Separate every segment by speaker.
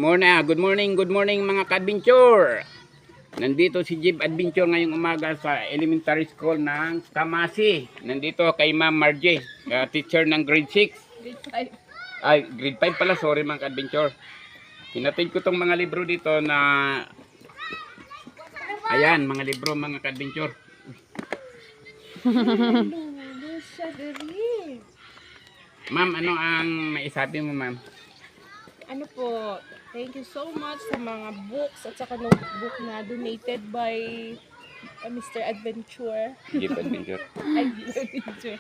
Speaker 1: Good morning mga ka-adventure. Nandito si Jib Adventure ngayong umaga sa elementary school ng Kamasi. Nandito kay Ma'am Margie, teacher ng grade 6.
Speaker 2: Grade 5.
Speaker 1: Ay, grade 5 pala, sorry mga ka-adventure. Pinatid ko tong mga libro dito na ayan, mga libro mga ka-adventure. Ma'am, ano ang maisabi mo, ma'am?
Speaker 2: Ano po, thank you so much sa mga books at saka notebook na donated by Mr. Adventure.
Speaker 1: Jib Adventure.
Speaker 2: Ay, Adventure.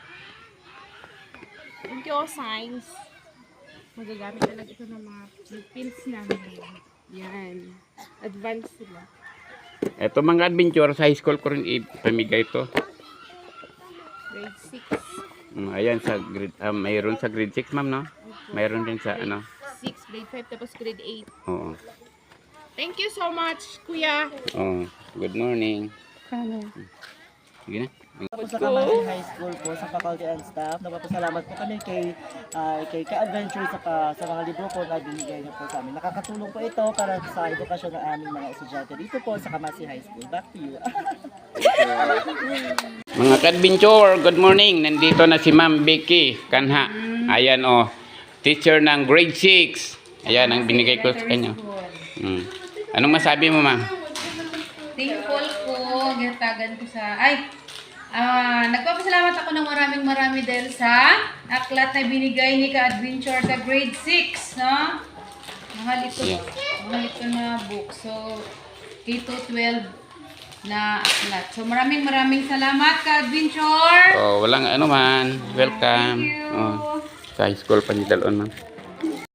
Speaker 2: Thank you, Science. Magagamit talaga ito ng mga pins namin. Yan. Advanced sila.
Speaker 1: Ito mga adventure, sa high school ko rin ipamigay ito.
Speaker 2: Grade 6.
Speaker 1: Ayan, sa grade, mayroon sa grade 6, ma'am, no? Mayroon din sa, ano?
Speaker 2: 6, grade 5, tapos grade 8.
Speaker 1: Oo.
Speaker 2: Thank you so much, Kuya.
Speaker 1: Oh, good morning. Sige na.
Speaker 3: Po sa Kamasi High School po, sa faculty and staff, nagpapasalamat po kami kay Ka-Adventure sa mga libro po na binigay niyo po sa amin. Nakakatulong po ito para sa edukasyon ng aming mga estudyante dito po sa Kamasi High School. Back to you.
Speaker 1: Mga ka-adventure, good morning. Nandito na si Ma'am Becky Kanha. Ayan, oh. Teacher ng grade 6. Ayan, ang binigay ko sa kanya. Anong masabi mo, ma'am?
Speaker 4: Thankful po, ginatagan ko sa... nagpapasalamat ako ng marami dahil sa aklat na binigay ni Ka-Adventure sa grade 6, no? Mahal ito na book. So, K-12 na aklat. So, maraming salamat, Ka-Adventure!
Speaker 1: Oh, walang ano man. Welcome.
Speaker 4: Thank you!
Speaker 1: Oh, sa high school pa ni Dalon, ma'am.